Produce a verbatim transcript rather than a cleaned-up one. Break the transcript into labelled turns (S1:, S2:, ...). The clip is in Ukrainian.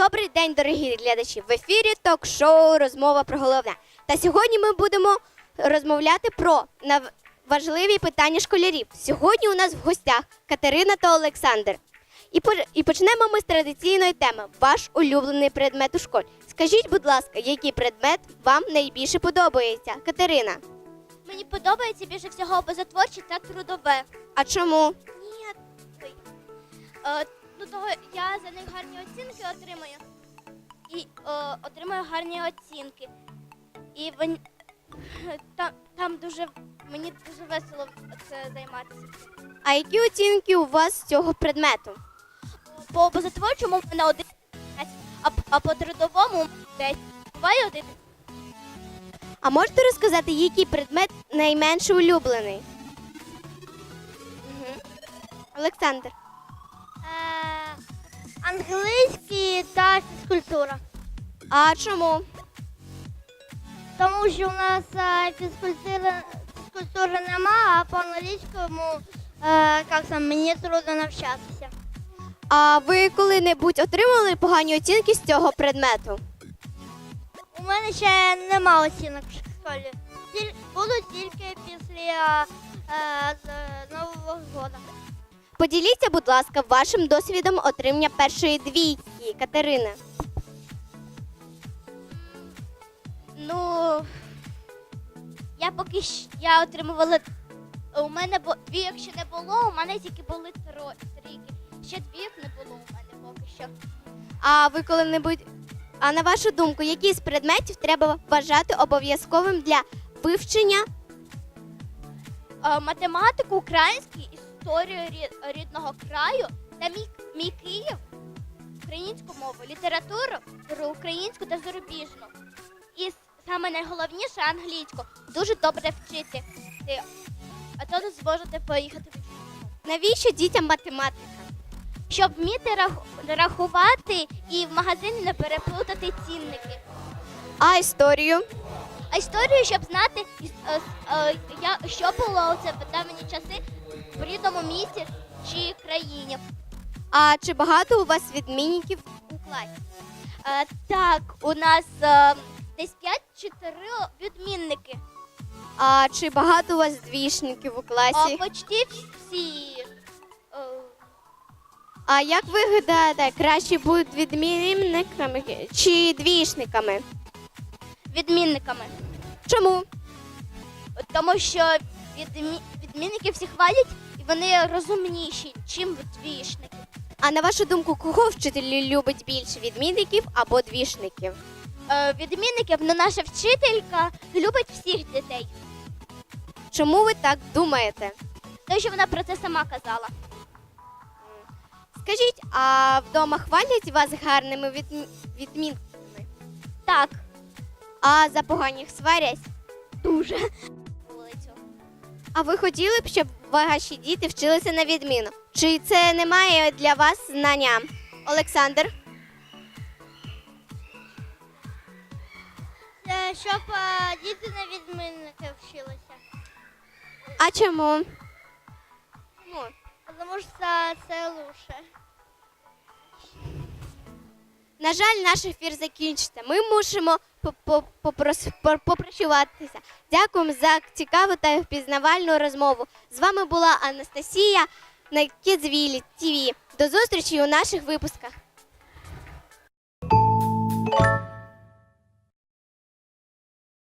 S1: Добрий день, дорогі глядачі! В ефірі ток-шоу «Розмова про головне». Та сьогодні ми будемо розмовляти про нав- важливі питання школярів. Сьогодні у нас в гостях Катерина та Олександр. І, по- і почнемо ми з традиційної теми – ваш улюблений предмет у школі. Скажіть, будь ласка, який предмет вам найбільше подобається? Катерина.
S2: Мені подобається більше всього образотворче та трудове.
S1: А чому?
S2: Ні, ой. Е, ну того я за них гарні оцінки отримую. І е, отримую гарні оцінки. І вон, там, там дуже, мені дуже весело це займатися.
S1: А які оцінки у вас з цього предмету?
S2: По образотворчому в мене один, а, а по трудовому десять. Буває один.
S1: А можете розказати, який предмет найменше улюблений? Угу. Олександр.
S2: Е, англійський та фізкультура.
S1: А чому?
S2: Тому що у нас е, фізкультури, фізкультури нема, а по англійському е, як там, мені трудно навчатися.
S1: А ви коли-небудь отримали погані оцінки з цього предмету?
S2: У мене ще нема оцінок в школі. Тіль, будуть тільки після е, з Нового року.
S1: Поділіться, будь ласка, вашим досвідом отримання першої двійки, Катерина.
S2: Ну, я поки що я отримувала. У мене бо двійок ще не було, у мене тільки були тро, трійки. Ще двійок не було у мене поки що.
S1: А ви коли-небудь, а на вашу думку, який з предметів треба вважати обов'язковим для вивчення?
S2: Е, математику, український, історію рі- рідного краю та мій, мій Київ, українську мову, літературу, р- українську та зарубіжну. І с- саме найголовніше англійську. Дуже добре вчити. Ти- А то не зможете поїхати в іншу мову.
S1: Навіщо дітям математика?
S2: Щоб вміти раху- рахувати і в магазині не переплутати цінники.
S1: А історію?
S2: А історію, щоб знати, іс- е, с- е, я- що було у це в давні часи в рідному місті чи країні.
S1: А чи багато у вас відмінників у класі?
S2: Е, Так, у нас е, десь п'ять чи три відмінники.
S1: А чи багато у вас двішників у
S2: А
S1: класі?
S2: почти всі е,
S1: А як ви гадаєте, краще будуть відмінниками чи двішниками?
S2: відмінниками.
S1: Чому?
S2: Тому що відмі... відмінники всі хвалять і вони розумніші, чим двішники.
S1: А на вашу думку, кого вчитель любить більше, відмінників або двішників?
S2: Е, Відмінників, ну наша вчителька любить всіх дітей.
S1: Чому ви так думаєте?
S2: Тому що вона про це сама казала.
S1: Скажіть, а вдома хвалять вас гарними відмі- відмінками?
S2: Так,
S1: А за поганих сварять?
S2: дуже. Вулицю.
S1: А ви хотіли б, щоб ваші діти вчилися на відміну? Чи це не має для вас знання? Олександр?
S2: Це щоб е, діти на відмінники вчилися.
S1: А чому? Ну,
S2: Тому що це, це лучше.
S1: на жаль, наш ефір закінчиться. Ми мусимо поп- попрос- по- попрощуватися. Дякуємо за цікаву та впізнавальну розмову. З вами була Анастасія на Kidsville ті ві. До зустрічі у наших випусках.